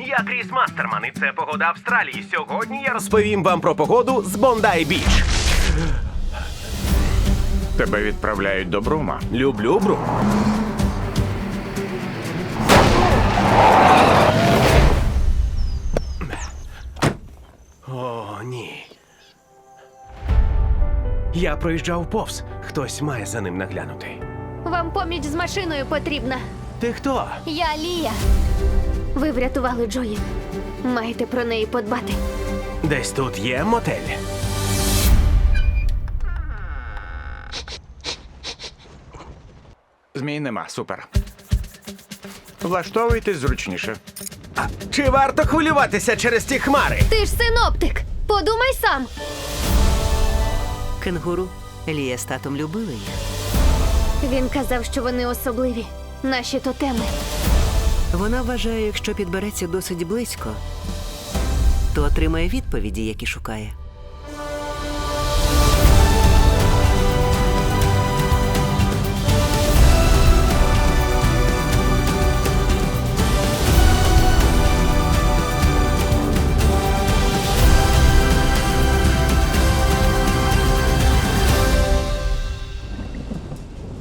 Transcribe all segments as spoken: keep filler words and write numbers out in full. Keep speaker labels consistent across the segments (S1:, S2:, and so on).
S1: Я Кріс Мастерман, і це погода Австралії. Сьогодні я розповім вам про погоду з Бондай Біч.
S2: Тебе відправляють до Брума.
S1: Люблю Брум. О, ні. Я проїжджав повз. Хтось має за ним наглянути.
S3: Вам поміч з машиною потрібна.
S1: Ти хто?
S3: Я Лія. Ви врятували Джої. Маєте про неї подбати.
S1: Десь тут є мотель.
S2: Змій нема, супер. Влаштовуйтесь зручніше.
S1: А чи варто хвилюватися через ті хмари?
S3: Ти ж синоптик. Подумай сам.
S4: Кенгуру. Лія з татом любили їх.
S3: Він казав, що вони особливі. Наші тотеми.
S4: Вона вважає, якщо підбереться досить близько, то отримає відповіді, які шукає.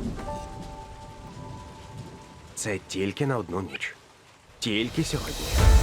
S1: Це тільки на одну ніч. Тільки сьогодні.